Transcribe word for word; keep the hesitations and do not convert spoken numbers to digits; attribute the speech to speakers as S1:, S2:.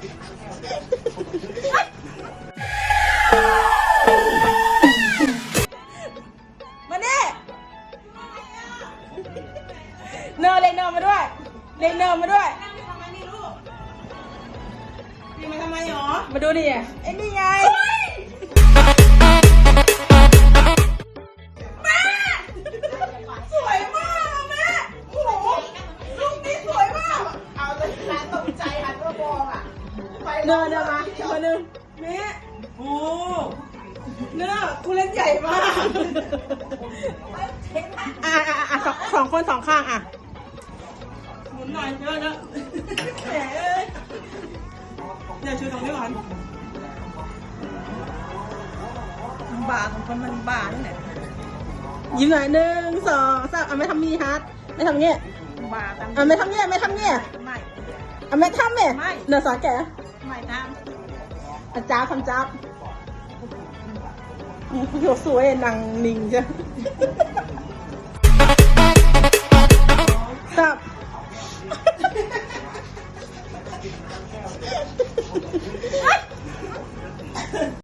S1: มาเน่เนอเลยเนอมาด้วยเลยเนอมาด้วยทำไมนี่ลูกนี่มาทำไมหรอมาดูดิไอ้นี่ไงแม่สวยมากแม่โอ้โหลูกนี่สวยมากเอาเลยร้านตกใจหันมามองอ่ะเนอเนอมามาหนึ่งแม่โอ้เนื้อทุเรศใหญ่มากอ่ะอ่ะอ่ะสองสองคนสองข้างอ่ะหมุนหน่อยเยอะเยอะแหมเอ้ยเดี๋ยวช่วยตรงนี้ก่อนบาของคนมันบาเนี่ยยิ้มหน่อยหนึ่งสองสามอ่ะไม่ทำมีฮาร์ดไม่ทำเงี้ยบาอ่ะไม่ทำเงี้ยไม่ทำเงี้ยไม่อ่ะไม่ทำเนี่ยเนื้อสอนแกไม่ทำอาจารย์ทำจ้าโหสวยนางนิ่งใช่